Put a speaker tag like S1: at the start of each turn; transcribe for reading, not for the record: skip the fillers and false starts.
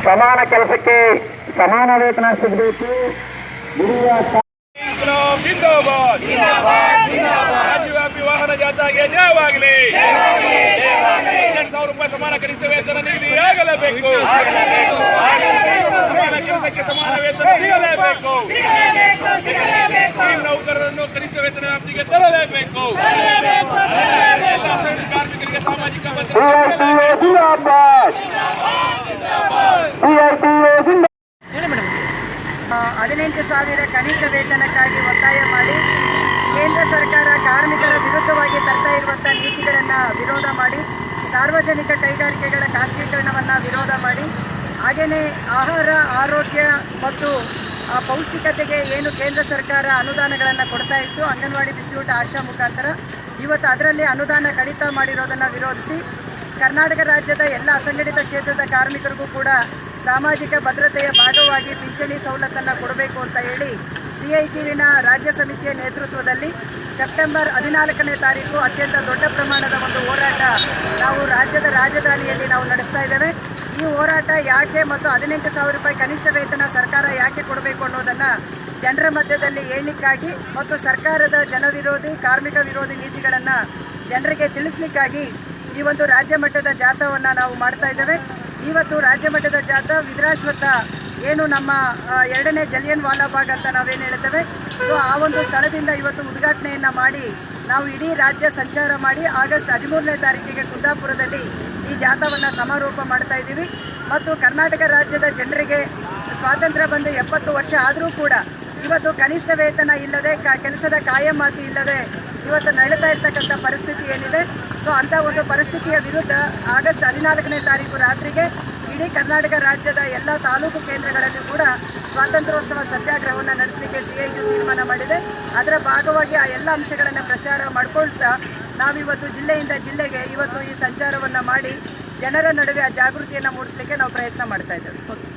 S1: ಸಮಾನ ಕೆಲಸಕ್ಕೆ ಸಮಾನ ವೇತನ ಸಿಗಬೇಕು.
S2: ರಾಜ್ಯವ್ಯಾಪಿ ವಾಹನ ಜಾಥಾಗೆ ಜಯವಾಗಲಿ. 2,000 ರೂಪಾಯಿ ಸಮಾನ ಕನಿಷ್ಠ ವೇತನ ನಿಗದಿಯಾಗಲೇಬೇಕು. ಸಮಾನ ಕೆಲಸಕ್ಕೆ ಸಮಾನ ವೇತನ ಸಿಗಲೇಬೇಕು. ನೌಕರರನ್ನು ಕನಿಷ್ಠ ವೇತನ ವ್ಯಾಪ್ತಿಗೆ ತರಲೇಬೇಕು. ಕಾರ್ಮಿಕರಿಗೆ ಸಾಮಾಜಿಕ ಭದ್ರತೆ.
S3: 18,000 ಕನಿಷ್ಠ ವೇತನಕ್ಕಾಗಿ ಒತ್ತಾಯ ಮಾಡಿ ಕೇಂದ್ರ ಸರ್ಕಾರ ಕಾರ್ಮಿಕರ ವಿರುದ್ಧವಾಗಿ ತರ್ತಾ ಇರುವಂಥ ನೀತಿಗಳನ್ನು ವಿರೋಧ ಮಾಡಿ, ಸಾರ್ವಜನಿಕ ಕೈಗಾರಿಕೆಗಳ ಖಾಸಗೀಕರಣವನ್ನು ವಿರೋಧ ಮಾಡಿ, ಹಾಗೆಯೇ ಆಹಾರ, ಆರೋಗ್ಯ ಮತ್ತು ಪೌಷ್ಟಿಕತೆಗೆ ಏನು ಕೇಂದ್ರ ಸರ್ಕಾರ ಅನುದಾನಗಳನ್ನು ಕೊಡ್ತಾ ಇತ್ತು, ಅಂಗನವಾಡಿ, ಬಿಸಿಯೂಟ, ಆಶಾ ಮುಖಾಂತರ ಇವತ್ತು ಅದರಲ್ಲಿ ಅನುದಾನ ಕಡಿತ ಮಾಡಿರೋದನ್ನು ವಿರೋಧಿಸಿ ಕರ್ನಾಟಕ ರಾಜ್ಯದ ಎಲ್ಲ ಅಸಂಘಟಿತ ಕ್ಷೇತ್ರದ ಕಾರ್ಮಿಕರಿಗೂ ಕೂಡ ಸಾಮಾಜಿಕ ಭದ್ರತೆಯ ಭಾಗವಾಗಿ ಪಿಂಚಣಿ ಸವಲತ್ತನ್ನು ಕೊಡಬೇಕು ಅಂತ ಹೇಳಿ CITUವಿನ ರಾಜ್ಯ ಸಮಿತಿಯ ನೇತೃತ್ವದಲ್ಲಿ ಸೆಪ್ಟೆಂಬರ್ 14ನೇ ತಾರೀಕು ಅತ್ಯಂತ ದೊಡ್ಡ ಪ್ರಮಾಣದ ಒಂದು ಹೋರಾಟ ನಾವು ರಾಜ್ಯದ ರಾಜಧಾನಿಯಲ್ಲಿ ನಾವು ನಡೆಸ್ತಾ ಇದ್ದೇವೆ. ಈ ಹೋರಾಟ ಯಾಕೆ ಮತ್ತು 18,000 ರೂಪಾಯಿ ಕನಿಷ್ಠ ವೇತನ ಸರ್ಕಾರ ಯಾಕೆ ಕೊಡಬೇಕು ಅನ್ನೋದನ್ನು ಜನರ ಮಧ್ಯದಲ್ಲಿ ಹೇಳಲಿಕ್ಕಾಗಿ ಮತ್ತು ಸರ್ಕಾರದ ಜನವಿರೋಧಿ, ಕಾರ್ಮಿಕ ವಿರೋಧಿ ನೀತಿಗಳನ್ನು ಜನರಿಗೆ ತಿಳಿಸ್ಲಿಕ್ಕಾಗಿ ಈ ಒಂದು ರಾಜ್ಯ ಮಟ್ಟದ ಜಾಥಾವನ್ನು ನಾವು ಮಾಡ್ತಾ ಇದ್ದೇವೆ. ಇವತ್ತು ರಾಜ್ಯ ಮಟ್ಟದ ಜಾಥಾ ವಿದ್ರಾಶ್ವತ್ಥ ಏನು ನಮ್ಮ 2ನೇ ಜಲಿಯನ್ ವಾಲಾಬಾಗ್ ಅಂತ ನಾವೇನು ಹೇಳ್ತೇವೆ, ಸೊ ಆ ಒಂದು ಸ್ಥಳದಿಂದ ಇವತ್ತು ಉದ್ಘಾಟನೆಯನ್ನು ಮಾಡಿ ನಾವು ಇಡೀ ರಾಜ್ಯ ಸಂಚಾರ ಮಾಡಿ ಆಗಸ್ಟ್ 13ನೇ ತಾರೀಕಿಗೆ ಕುಂದಾಪುರದಲ್ಲಿ ಈ ಜಾಥಾವನ್ನು ಸಮಾರೋಪ ಮಾಡ್ತಾ ಇದ್ದೀವಿ. ಮತ್ತು ಕರ್ನಾಟಕ ರಾಜ್ಯದ ಜನರಿಗೆ ಸ್ವಾತಂತ್ರ್ಯ ಬಂದು 70 ವರ್ಷ ಆದರೂ ಕೂಡ ಇವತ್ತು ಕನಿಷ್ಠ ವೇತನ ಇಲ್ಲದೆ, ಕೆಲಸದ ಕಾಯಮಾತಿ ಇಲ್ಲದೆ ಇವತ್ತು ನಡೀತಾ ಇರ್ತಕ್ಕಂಥ ಪರಿಸ್ಥಿತಿ ಏನಿದೆ, ಸೊ ಅಂಥ ಒಂದು ಪರಿಸ್ಥಿತಿಯ ವಿರುದ್ಧ ಆಗಸ್ಟ್ 14ನೇ ತಾರೀಕು ರಾತ್ರಿಗೆ ಇಡೀ ಕರ್ನಾಟಕ ರಾಜ್ಯದ ಎಲ್ಲ ತಾಲೂಕು ಕೇಂದ್ರಗಳಲ್ಲಿ ಕೂಡ ಸ್ವಾತಂತ್ರ್ಯೋತ್ಸವ ಸತ್ಯಾಗ್ರಹವನ್ನು ನಡೆಸಲಿಕ್ಕೆ CITU ತೀರ್ಮಾನ ಮಾಡಿದೆ. ಅದರ ಭಾಗವಾಗಿ ಆ ಎಲ್ಲ ಅಂಶಗಳನ್ನು ಪ್ರಚಾರ ಮಾಡಿಕೊಳ್ತಾ ನಾವಿವತ್ತು ಜಿಲ್ಲೆಯಿಂದ ಜಿಲ್ಲೆಗೆ ಇವತ್ತು ಈ ಸಂಚಾರವನ್ನು ಮಾಡಿ ಜನರ ನಡುವೆ ಆ ಜಾಗೃತಿಯನ್ನು ಮೂಡಿಸಲಿಕ್ಕೆ ನಾವು ಪ್ರಯತ್ನ ಮಾಡ್ತಾ ಇದ್ದೇವೆ.